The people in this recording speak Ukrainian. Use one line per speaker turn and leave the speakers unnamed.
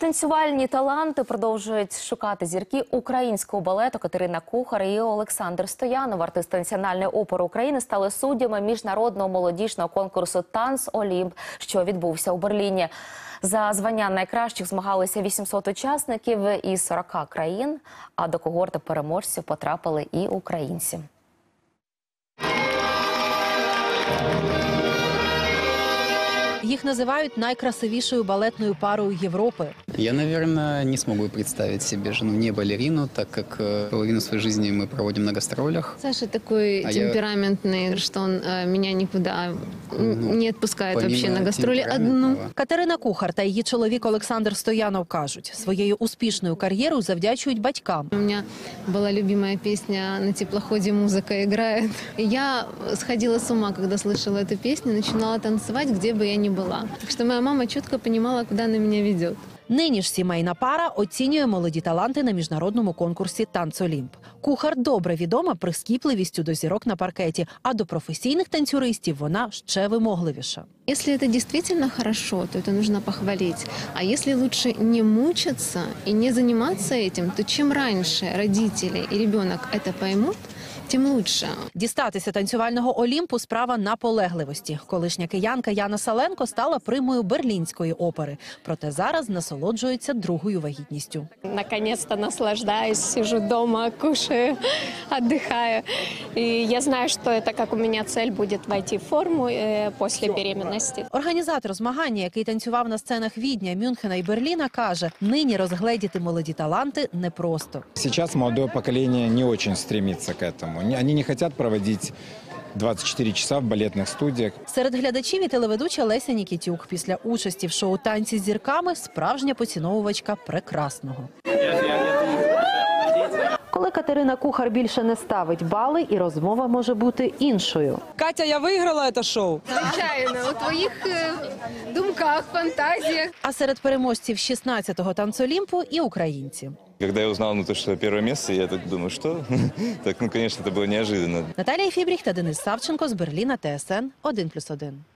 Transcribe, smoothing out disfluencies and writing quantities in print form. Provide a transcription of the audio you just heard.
Танцювальні таланти продовжують шукати зірки українського балету. Катерина Кухар і Олександр Стоянов, артисти Національної опери України, стали суддями міжнародного молодіжного конкурсу «Танц Олімп», що відбувся у Берліні. За звання найкращих змагалися 800 учасників із 40 країн, а до когорти переможців потрапили і українці.
Їх називають найкрасивішою балетною парою Європи.
Я, наверное, не смогу представить себе жену не балерину, так как половину своей жизни мы проводим на гастролях.
Саша такой темпераментный, что он меня никуда не отпускает вообще на гастролі одну.
Катерина Кухар та її чоловік Олександр Стоянов кажуть, своєю успішною кар'єрою завдячують батькам.
У меня была любимая песня «На теплоходе музыка играет». Я сходила с ума, когда слышала эту песню, начинала танцевать, где бы я ни была. Так что моя мама четко понимала, куда она меня ведет.
Нині ж сімейна пара оцінює молоді таланти на міжнародному конкурсі «Танц Олімп». Кухар добре відома прискіпливістю до зірок на паркеті, а до професійних танцюристів вона ще вимогливіша.
Если это действительно хорошо, то это нужно похвалить. А если лучше не мучиться и не заниматься этим, то чем раньше родители и ребенок это поймут, тим лучше.
Дістатися танцювального Олімпу – справа наполегливості. Колишня киянка Яна Саленко стала примою Берлінської опери. Проте зараз насолоджується другою вагітністю.
Наконец-то наслаждаюсь, сижу дома, кушаю, отдыхаю. И я знаю, что это как у меня цель будет войти в форму после беременности.
Організатор змагання, який танцював на сценах Відня, Мюнхена і Берліна, каже, нині розгледіти молоді таланти непросто.
Сейчас молодое поколение не очень стремится к этому. Они не хотят проводить 24 часа в балетних студіях.
Серед глядачів і телеведуча Леся Нікітюк. Після участі в шоу «Танці з зірками» справжня поціновувачка прекрасного. Коли Катерина Кухар більше не ставить бали, і розмова може бути іншою.
Катя, я виграла це шоу.
Звичайно, у твоїх думках, фантазіях.
А серед переможців 16-го «Танцолімпу» і українці.
Когда я узнал, что первое место, я так думаю, что? Так, конечно, это было неожиданно.
Наталія Фібріх та Денис Савченко з Берліна, ТСН 1+1.